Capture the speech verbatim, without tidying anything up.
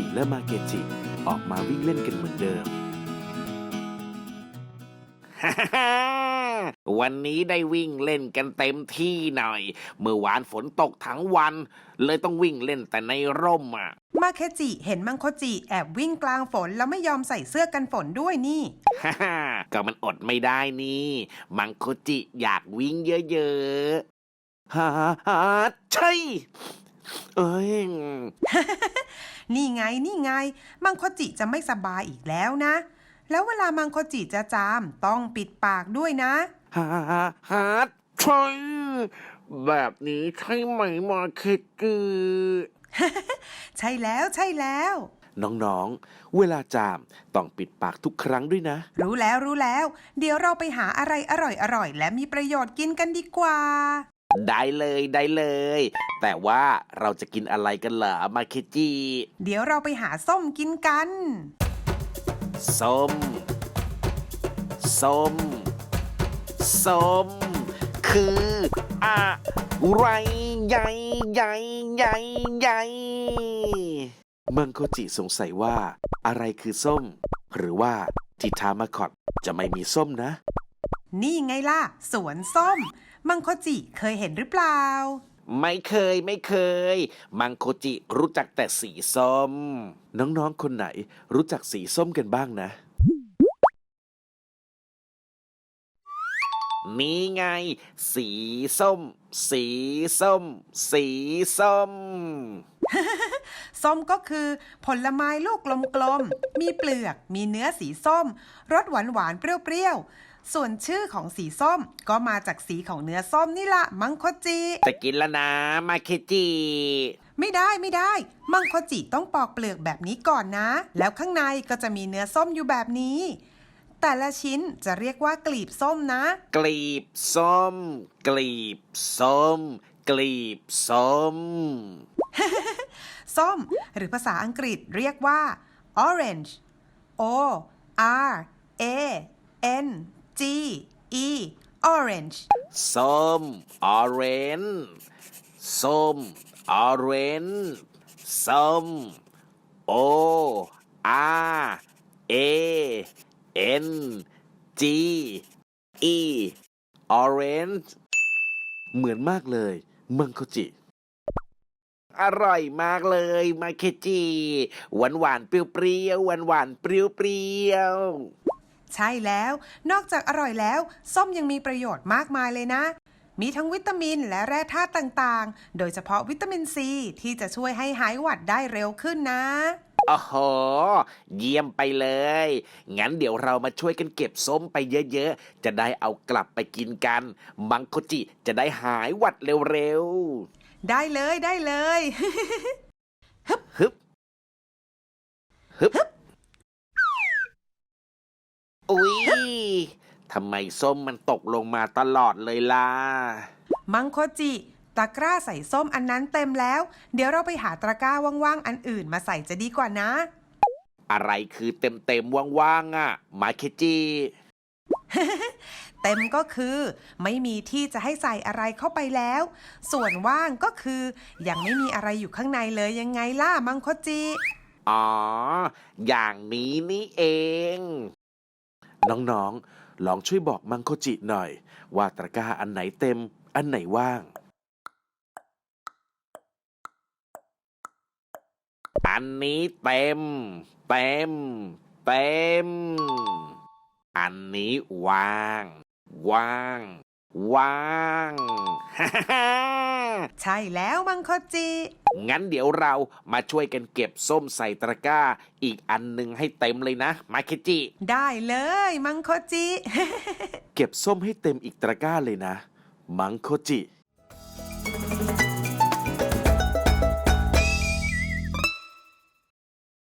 และมาเกจิออกมาวิ่งเล่นกันเหมือนเดิมวันนี้ได้วิ่งเล่นกันเต็มที่หน่อยเมื่อวานฝนตกทั้งวันเลยต้องวิ่งเล่นแต่ในร่มอ่ะมาเคจิเห็นมังโคจิแอบวิ่งกลางฝนแล้วไม่ยอมใส่เสื้อกันฝนด้วยนี่ฮ่าฮ่าก็มันอดไม่ได้นี่มังโคจิอยากวิ่งเยอะๆฮ่าฮ่าใช่เอ้ยนี่ไงนี่ไงมังโคจิจะไม่สบายอีกแล้วนะ แล้วเวลามังโคจิจะจามต้องปิดปากด้วยนะฮ่าฮ่าฮ่าใช่แบบนี้ใช่ไหมมาเคจิใช่แล้วใช่แล้วน้องๆ เวลาจามต้องปิดปากทุกครั้งด้วยนะรู้แล้วรู้แล้ว เดี๋ยวเราไปหาอะไรอร่อยๆและมีประโยชน์กินกันดีกว่าได้เลยได้เลย แต่ว่าเราจะกินอะไรกันเหรอมาเคจิเดี๋ยวเราไปหาส้มกินกันส้ม ส้ม ส้ม คืออะไรใหญ่ใหญ่ใหญ่ใหญ่มังโคจิสงสัยว่าอะไรคือส้ม หรือว่าที่ทามาคอตจะไม่มีส้มนะนี่ไงล่ะสวนส้ม มังโคจิเคยเห็นหรือเปล่าไม่เคยไม่เคย มังโคจิรู้จักแต่สีส้มน้องๆ คนไหนรู้จักสีส้มกันบ้างนะนี่ไง สีส้ม สีส้ม สีส้มส้มก็คือผลไม้ลูกกลมๆ มีเปลือก มีเนื้อสีส้ม รสหวานๆ เปรี้ยวๆ ส่วนชื่อของสีส้มก็มาจากสีของเนื้อส้มนี่ละมังโคจิจะกินแล้วนะมาเคจิไม่ได้ไม่ได้ มังโคจิต้องปอกเปลือกแบบนี้ก่อนนะ แล้วข้างในก็จะมีเนื้อส้มอยู่แบบนี้ แต่ละชิ้นจะเรียกว่ากลีบส้มนะกลีบส้ม กลีบส้ม กลีบส้มส้มหรือภาษาอังกฤษเรียกว่า orange o r a n g e orange ส้ม ออเรนจ์ส้ม ออเรนจ์ส้ม O R A N G E orange เหมือนมากเลยมังโคจิอร่อยมากเลยมาเคจิหวานหวานๆเปรี้ยวๆหวานหวานๆเปรี้ยวเปรี้ยวๆใช่แล้ว นอกจากอร่อยแล้ว ส้มยังมีประโยชน์มากมายเลยนะ มีทั้งวิตามินและแร่ธาตุต่างๆ โดยเฉพาะวิตามินซีที่จะช่วยให้หายหวัดได้เร็วขึ้นนะโอ้โห เยี่ยมไปเลย งั้นเดี๋ยวเรามาช่วยกันเก็บส้มไปเยอะๆ จะได้เอากลับไปกินกัน มังโคจิจะได้หายหวัดเร็วได้เลยได้เลยๆ ฮึบ ฮึบ ฮึบ อุ๊ย ทำไมส้มมันตกลงมาตลอดเลยล่ะมังโคจิตะกร้าใส่ส้มอันนั้นเต็มแล้ว เดี๋ยวเราไปหาตะกร้าว่างๆอันอื่นมาใส่จะดีกว่านะอะไรคือเต็มๆว่างๆอ่ะ มาเคจิเต็มก็คือไม่มีที่จะให้ใส่อะไรเข้าไปแล้ว ส่วนว่างก็คือยังไม่มีอะไรอยู่ข้างในเลยยังไงล่ะมังโคจิอ๋อ อย่างนี้นี่เองน้องๆ ลองช่วยบอกมังโคจิหน่อย ว่าตะกร้าอันไหนเต็ม อันไหนว่างอันนี้เต็ม เต็ม เต็ม อันนี้ว่าง ว่าง ว่าง ฮ่าฮ่าใช่แล้วมังโคจิงั้นเดี๋ยวเรามาช่วยกันเก็บส้มใส่ตะกร้า อีกอันหนึ่งให้เต็มเลยนะ มาเคจิได้เลยมังโคจิเก็บส้มให้เต็มอีกตะกร้าเลยนะ มังโคจิ